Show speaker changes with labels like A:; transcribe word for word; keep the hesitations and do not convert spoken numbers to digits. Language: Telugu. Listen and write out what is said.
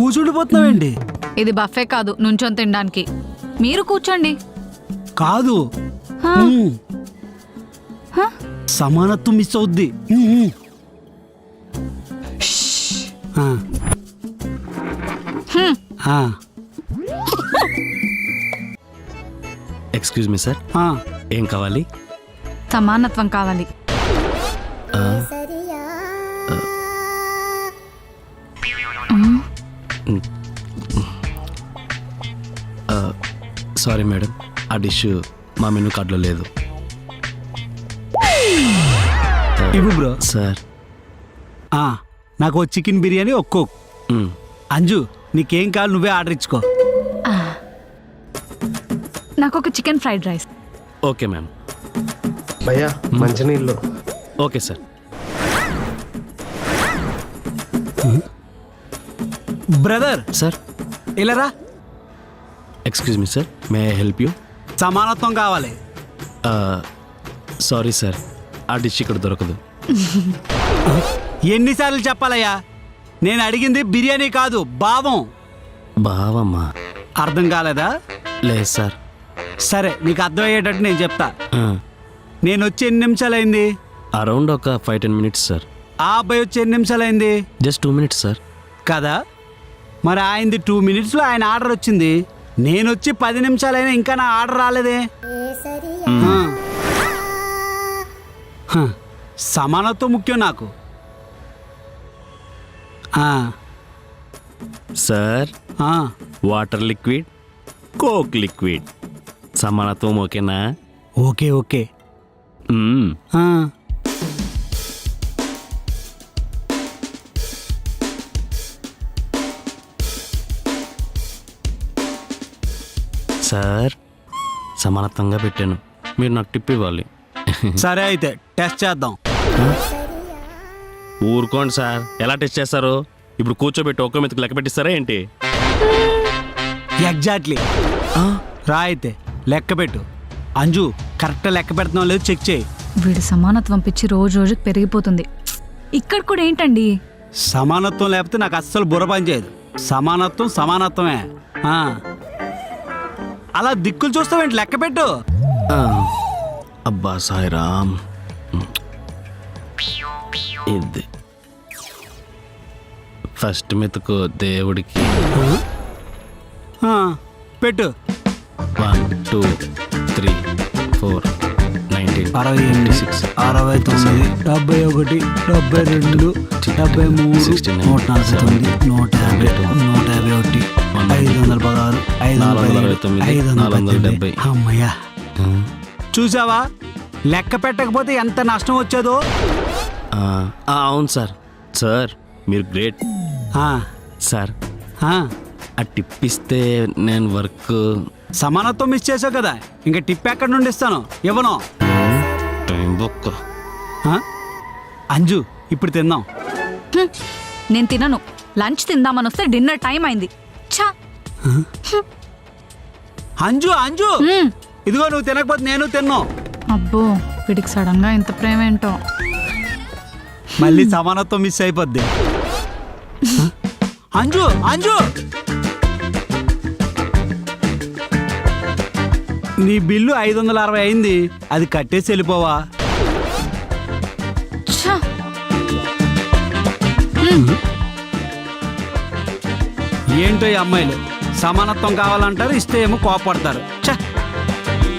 A: కూర్చుండిపోతున్నావేంటి?
B: ఇది బఫే కాదు, నుంచొని తినడానికి. మీరు కూర్చోండి.
A: కాదు,
B: హా?
A: ఉమ్,
B: హా?
A: సమానత్వం మిస్ అవుద్ది. ఉమ్, ఉమ్. ఆ.
B: హ్మ్.
A: ఆ.
C: ఎక్స్క్యూజ్ మీ సార్,
A: ఆ.
C: ఏం కావాలి?
B: సమానత్వం కావాలి.
C: సారీ మేడం, ఆ డిష్ మా మెనూ కార్డులో లేదు.
A: ఇవ్వు బ్రో.
C: సార్
A: ఆ, నాకు చికెన్ బిర్యానీ ఒక్కో.
C: మ్,
A: అంజు, నీకేం కావాలి నువ్వే ఆర్డర్ ఇచ్చుకో.
B: నాకు ఒక chicken fried rice.
C: Okay ma'am.
D: భయ్యా మంచినీళ్ళు.
C: Okay sir.
A: బ్రదర్
C: సార్
A: ఇలారా.
C: Excuse me sir, may I help you?
A: సమానత్వం కావాలి.
C: సారీ సార్, ఆ డిష్ ఇక్కడ దొరకదు.
A: ఎన్నిసార్లు చెప్పాలయ్యా? నేను అడిగింది బిర్యానీ కాదు, భావం.
C: బావమ్మా.
A: అర్థం కాలేదా?
C: లేదు సార్.
A: సరే, నీకు అర్థమయ్యేటట్టు నేను చెప్తా.
C: ఆ,
A: నేను వచ్చి ఎన్ని నిమిషాలైంది?
C: అరౌండ్ ఒక ఫైవ్ టెన్ మినిట్స్ సార్.
A: ఆ అబ్బాయి వచ్చి ఎన్ని నిమిషాలైంది?
C: Just two minutes sir.
A: కదా, మరి ఆయనది టూ మినిట్స్లో ఆయన ఆర్డర్ వచ్చింది. నేను వచ్చి పది నిమిషాలైనా ఇంకా నా ఆర్డర్ రాలేదే. ఆ. హ, సమానత్వం ముఖ్యం నాకు. ఆ.
C: సార్,
A: ఆ.
C: వాటర్ లిక్విడ్, కోక్ లిక్విడ్, సమానత్వం ఓకేనా?
A: Okay okay.
C: మ్మ్.
A: ఆ.
C: సార్, సమానత్వంగా పెట్టాను, మీరు నాకు టిప్ ఇవ్వాలి.
A: సరే అయితే టెస్ట్ చేద్దాం.
C: ఊరుకోండి సార్, ఎలా టెస్ట్ చేస్తారు? ఇప్పుడు కూర్చోబెట్టి ఒక్క మెతుకు లెక్క పెట్టిస్తారా ఏంటి?
A: ఎగ్జాక్ట్లీ. రా అయితే లెక్క పెట్టు. అంజు, కరెక్ట్ లెక్క పెడుతున్నావు లేదు చెక్ చేయి.
B: వీడి సమానత్వం పిచ్చి రోజు రోజుకి పెరిగిపోతుంది. ఇక్కడ కూడా ఏంటండి?
A: సమానత్వం లేకపోతే నాకు అస్సలు బుర్ర పని చేయదు. సమానత్వం సమానత్వమే. ఆ. అలా దిక్కులు చూస్తావేంటి? లెక్క పెట్టు.
C: ఆ, అబ్బా సాయిరామ్. ఇది ఫస్ట్ మెతుకు దేవుడికి.
A: ఆ, పెట్టు.
C: One two three four nineteen
A: అరవై ఎనిమిది
C: సిక్స్
A: అరవై తొమ్మిది డెబ్బై ఒకటి డెబ్బై రెండు డెబ్బై మూడు నూట నలభై తొమ్మిది నూట యాభై నూట యాభై ఒకటి ఐదు వందల పదహారు ఐదు వందల అరవై తొమ్మిది ఐదు వందల డెబ్బై. అమ్మయ్యా, చూసావా? లెక్క పెట్టకపోతే ఎంత నష్టం వచ్చేదో.
C: అవును సార్. సార్ మీరు గ్రేట్.
A: ఆ,
C: సార్,
A: ఆ.
C: ఆ టిప్ ఇస్తే నేను వర్క్.
A: సమానత్వం మిస్ చేసావు కదా, ఇంకా టిప్ ఎక్కడి నుండి ఇస్తాను? ఇవ్వను.
C: టైం బొక్క.
A: ఆ? అంజు, ఇప్పుడు తిందాం.
B: హ్మ్. నేను తినను. లంచ్ తిందామని వస్తే డిన్నర్ టైం అయింది. ఛా.
A: అంజు అంజు
B: హ్మ్.
A: ఇదిగో, నువ్వు తినకపోతే నేను తిన్నావు.
B: అబ్బో, వీడికి సడన్ గా ఇంత ప్రేమ ఏంటో.
A: మళ్ళీ సమానత్వం మిస్ అయిపోద్ది. అంజు అంజు నీ బిల్లు ఐదు వందల అరవై అయింది, అది కట్టేసి వెళ్ళిపోవా?
B: ఛా.
A: ఏంటో ఈ అమ్మాయిలు, సమానత్వం కావాలంటారు, ఇస్తే ఏమో కోపడతారు. ఛ.